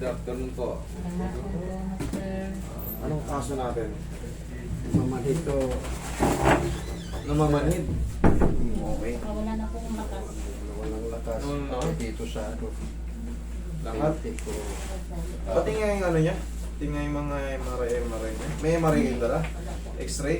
Good afternoon po. Master. Anong kaso natin? Mamanhid ko. Namamanhid. Okay. Wala na pong lakas. Walang lakas. No. Dito sa ano. Lahat. Ko. Pati nga yung ano niya. Pati nga yung mga MRI niya. May MRI yung dala? Wala po. X-ray?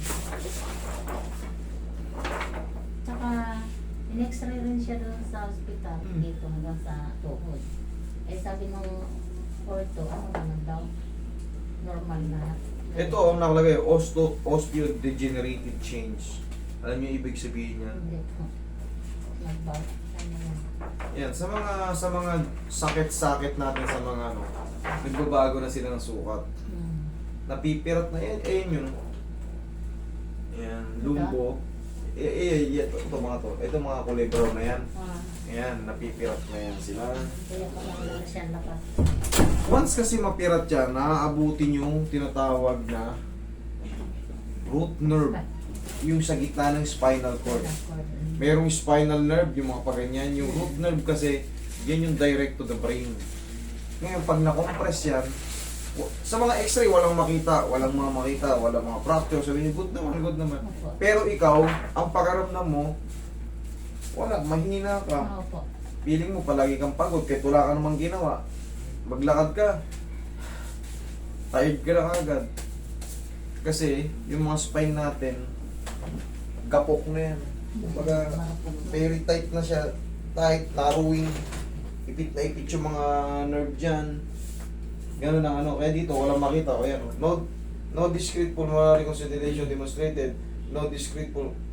Tsaka, in-x-ray rin siya doon sa ospital, dito hanggang sa tuhod. Eh sabi nung ortho, ano naman daw? Normal na. Ito ang nakalagay, osteodegenerative change. Alam niyo ibig sabihin niyan? Hindi po. Nagbaw. Ano yan? Yan, sa mga sakit-sakit natin sa mga ano, nagbabago na sila ng sukat. Napipirat na yan, yun. Yan, lumbo. Ito mga to. Ito mga kulay brown na yan. Ayan, napipirat na yan sila. Kaya pala wala siyang lakas. Once kasi mapirat yan, naaabutin yung tinatawag na root nerve. Yung sa gitna ng spinal cord. Merong spinal nerve, yung mga paganyan. Yung root nerve kasi, yan yung direct to the brain. Ngayon, pag na-compress yan, sa mga x-ray, walang makita, walang mga fracture. Sabi niyo, good naman. Pero ikaw, ang pakaramdam mo, wala, mahina ka. Opo. Feeling mo, palagi kang pagod, kahit wala ka namang ginawa. Maglakad ka, tired ka na agad. Kasi, yung mga spine natin, gapok na yan. Kumbaga, very tight na siya. Tight, narrowing. Ipit na ipit yung mga nerve dyan. Ganun ang ano. Kaya dito, walang makita. O yan. No discrete pulmonary consolidation demonstrated. No discrete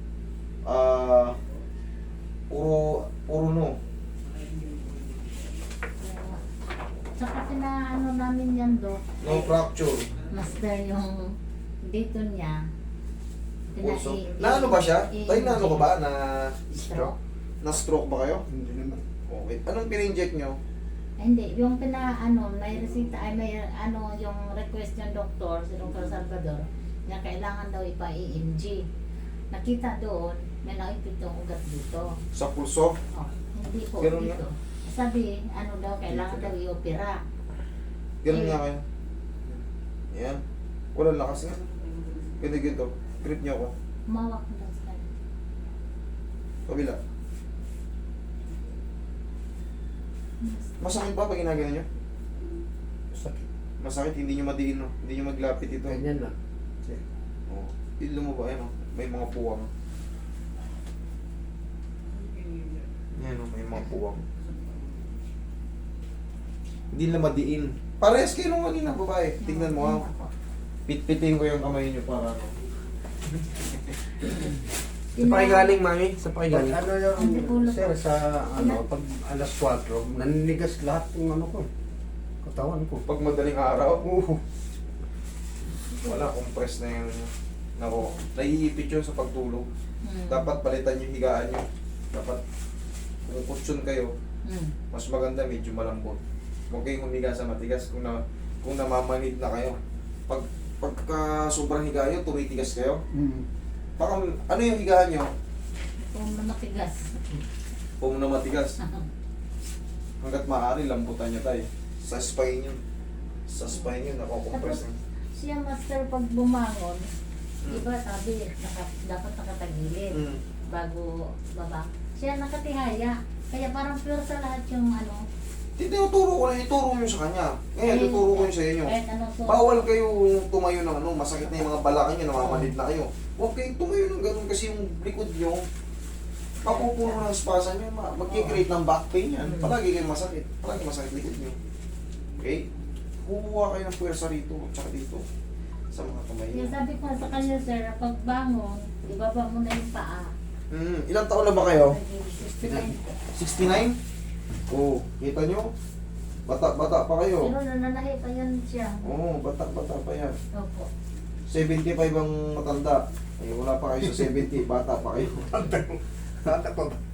puro no. Tsaka pinaano namin yan do. No fracture. Master yung dito niya. Also, na ano ba siya? Tayo na ano ka ba? Stroke? Na stroke ba kayo? Hindi naman. Okay. Anong pina-inject nyo? Hindi, yung may resita, ay may yung request ng doktor, si Dr. Salvador, na kailangan daw ipa-EMG. Nakita doon, may naipit yung ugat dito. Sa pulso? Oh, hindi po Ganun dito. Sabi, kailangan daw i-opera. Ganun nga kayo. Yan. Walang lakas nga. Ganito. Grip nyo ako. Mawak na daw sa kanya. Kabila. Masakit ba pag ginagano nyo? Sakit. Masakit, hindi nyo madiin, no? Hindi nyo maglapit ito. Ganyan na. Oo. Ilo mo ba, yan, no? May mga puwang. Yan, no? May mga puwang. Hindi na madiin. Parehas kayo nung kanina, babae. Tingnan mo, ha? Pitpitin ko yung kamay nyo para, no? Sa pakigaling, mami. Sa pakigaling. Ano Antipolo yung, sir, po. sa pag alas 4, naninigas lahat ng ano ko. Katawan ko. Pag madaling araw, Oo. wala, compress na yung, nako, naiipit yun sa pagtulog. Hmm. Dapat palitan yung higaan nyo. Dapat, kung kutsyon kayo, mas maganda medyo malambot. Huwag kayong humiga sa matigas kung namamanid na kayo. Pagka sobrang higa nyo, tumitigas kayo. Baka, ano yung higaan nyo? Kung matigas. Kung na matigas. Hanggat maaari, lambutan nyo tayo. Sa spine yun. Sa spine yun, nakokompress na. Siya master pag bumangon, iba sabi, dapat nakatagilid bago baba. Siya nakatihaya. Kaya parang pure sa lahat yung ano. Tinuturo ko na, ituro nyo sa kanya. Ngayon, tuturo ko nyo sa inyo. Kahit ano so, Bawal kayo tumayo ng ano, masakit na yung mga balakang nyo, namamanid na kayo. Huwag kayong tumayo ng ganun kasi yung likod nyo, papupuno ng spasa nyo, mag-create ng back pain yan. Palagi kayong masakit. Palagi masakit likod nyo. Okay? Kukuha kayo ng puwersa rito, tsaka dito. Sa mga kamay nyo. yung sabi ko sa kanya sir, pag bangon, ibaba mo na yung paa. Ilang taon na ba kayo? 69. 69? Oo, kita nyo? Bata pa kayo. Pero nananahi pa yan siya. Oo, bata pa yan. Opo. 75 ang matanda. Ay, wala pa kayo sa 70, bata pa kayo. Bata pa ba?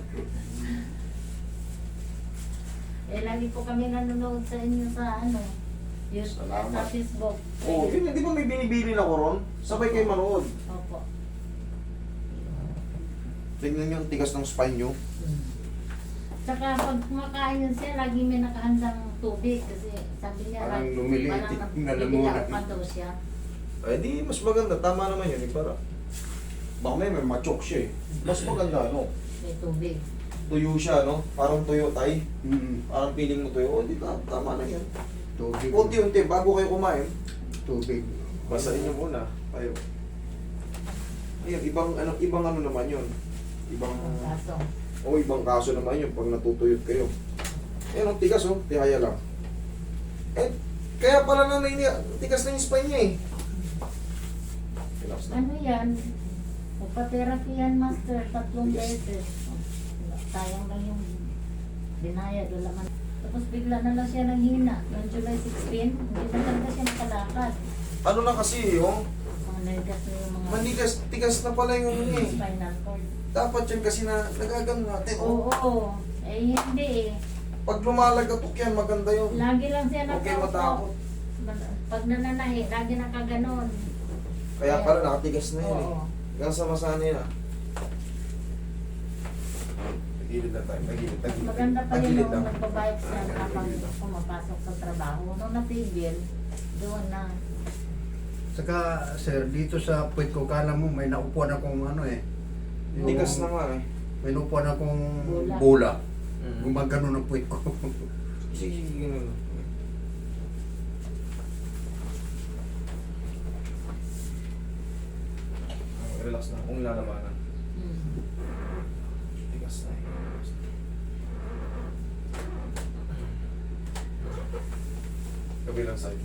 Lagi po kami nanonood sa inyo sa ano, Salamat. sa Facebook. Oo, yun, di ba may binibili na ko ron? Sabay kayo manood. Opo. Tingnan nyo ang tigas ng spine nyo. Tsaka pag kumakain yun siya, lagi may nakahandang tubig kasi sabi niya, Parang lumiliit yung lalamunan. pa daw siya. Ay di, mas maganda. Tama naman yun. Eh, para baka may machok siya eh. Mas maganda, no? May tubig. Tuyo siya, no? Parang tuyo tay. Mm. Parang feeling mo tuyo. O, di tama na yan. Tubig. Unti-unti, bago kayo kumain, Tubig. basahin nyo muna. Kayo. Ayun, ibang ano naman yun. Ibang, Kaso, ibang kaso naman yun pag natutuyot kayo. Ayun, ang tigas, oh. Tihaya lang. Eh, kaya pala na tigas na yung spine niya eh. Relax na. ano yan? Magpa-therapy yan, master, 3 beses. Sayang lang yung binayad, wala man. Tapos bigla na lang siya nanghina. Noong July 16, hindi na talaga siya nakalakad. Ano na kasi, oh. Mga narigas na yung mga Manigas, tigas na pala yung ano niya eh. spinal cord. Dapat yun kasi na nagagano natin, oh. Oo, eh hindi eh. Pag lumalagatok yan, maganda yun. Lagi lang siya Huwag kayo matakot. Pag nananahi, lagi nakaganon. Kaya pala nakatigas na yun eh. Oo. Hanggang sa masanay na. Tagilid na tayo, tagilid, tagilid. Maganda pa yun Tagilid nung lang. nagbabayad siya habang Tagilid lang. pumapasok sa trabaho. Nung natigil, doon na. Saka, sir, dito sa puwit ko, kala mo may naupuan akong ano eh. Yung- Tigas na nga eh. May naupuan akong Bola. bola. Mm. Gumagano ng puwit ko. Sige, ganun. Relax na, kung lalabanan. Hmm. Tigas na eh. Kabilang side.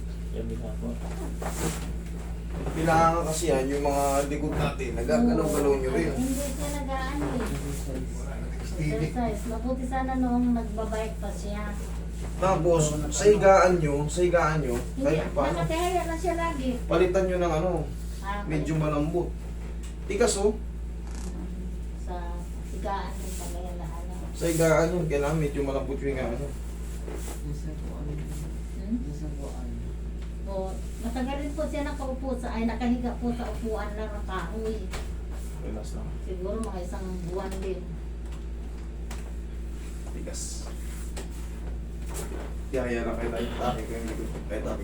Kailangan kasi yan, yung mga likod natin, nagagalaw-galaw nyo rin. Hindi siya nag-ano eh. Steady. Exercise. Mabuti sana noong nagbabike pa siya. Tapos, sa higaan nyo, Hindi, kahit paano, nakatihaya na siya lagi. palitan nyo ng ano, Ah, medyo malambot. Tigas oh, sa higaan ng pangyayalaan. sa higaan yun, kailangan medyo malambot yung higaan nyo. Hmm? O, matagal rin po siya nakaupo nakahiga po sa upuan lang ng kahoy. Relax lang. Siguro mga 1 buwan din. Tigas. Tihaya lang kayo tayo. Taki kayo yung likod. Kaya taki.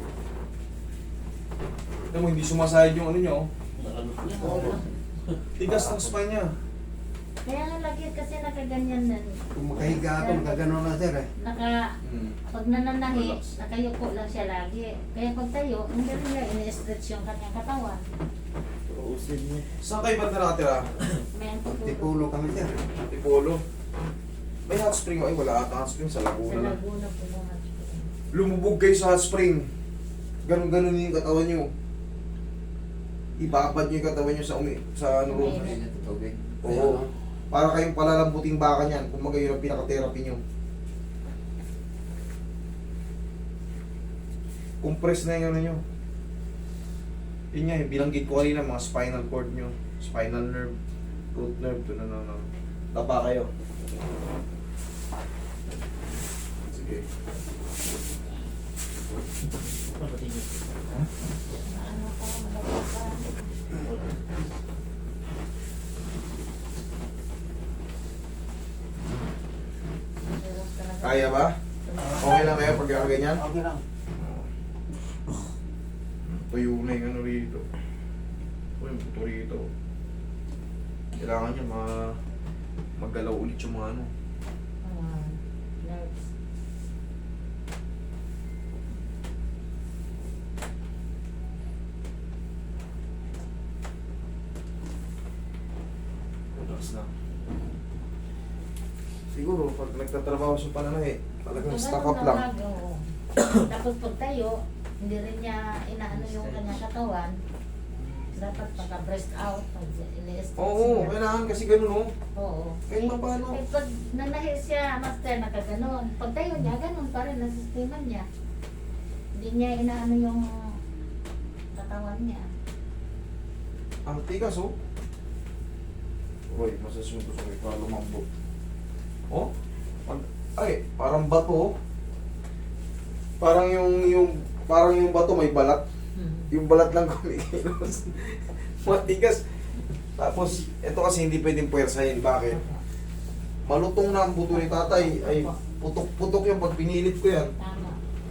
Alam mo, hindi sumasayad yung ano nyo. Oo. Tigas ng spine niya. Kaya nga lagi kasi nakaganyan nan. Kung makahiga ako, magagano na sir eh. Pag nananahi, Relax. nakayuko lang siya lagi. Kaya pag tayo, hindi rin niya ini-stretch yung kanyang katawan. Saan kayo ba nakatira? May antipolo. Tipulo kami sir. Tipolo. May hot spring. Ay, wala ata hot spring sa Sa Laguna lang. Laguna po mga Lumubog kayo sa hot spring. Ganun-ganun yung katawan nyo. Ibabad nyo yung katawan nyo sa ano ro. Tubig. Oo. Para kayong palalambuting baka niyan. Kung magayon ang pinaka-therapy nyo. Compress na yung ano nyo. Yun nga, binanggit ko kanina mga spinal cord nyo. Spinal nerve. Root nerve. Ito na. Tapa kayo. Sige. ano pa, malabas pa. Hirap talaga. Kaya ba? Okay lang kayo pag ganyan? Okay lang. Tuyo na yung ano rito. O yung buto rito. Kailangan niya maggalaw ulit yung mga ano. Nerves. Relax na. Siguro pag nagtatrabaho sa pananahe, talagang stock up lang. Oo. Tapos pag tayo, hindi rin niya inaano yung kanyang katawan. Dapat pagka-breast out, pag ini-stretch Oo, niya. kailangan kasi ganun oh. Oo. Kahit pa paano. Eh, pag nanahi siya, master, nakaganon. Pag tayo niya, ganon pa rin ang sistema niya. Hindi niya inaano yung katawan niya. Ang tigas oh. Uy, masasunod sa para lumambot. Oh? Ay, parang bato oh. Parang yung bato may balat. Yung balat lang kumikilos. Matigas. Tapos, ito kasi hindi pwedeng puwersahin. Bakit? Malutong na ang buto ni tatay. Ay, putok-putok yan pag pinilit ko yan. Tama.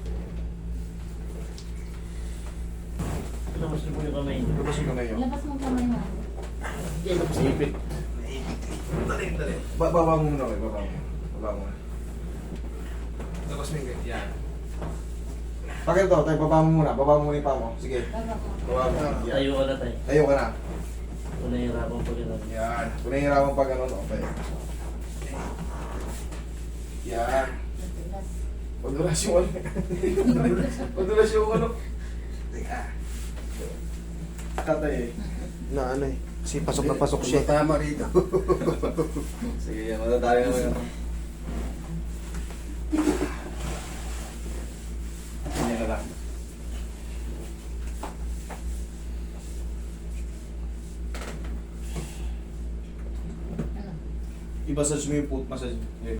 Labas niyo po yung kamay niyo. Labas yung kamay nyo. Labas mo kamay mo. Ipit. Dali. Baba mo muna, baba mo. Baba mo. Labas mo yung ganyan. Yan. Pakita to, tayo, baba mo muna. Baba mo muna yung paa mo. Sige. Baba mo. Baba mo. Yan. Tayo ka na tayo. Tayo ka na. Una yung rapang pag gano'n. Yan. Kung nahihirapan pa ganun, okay. Yan. Matigas. Madulas yung ano. Madulas yung ano. Teka. Tatay eh. Na ano eh. Kasi pasok na pasok siya. Tama rito. Sige yan, matatali naman yun. Ganyan na lang. Ano? I-massage mo yung foot massage.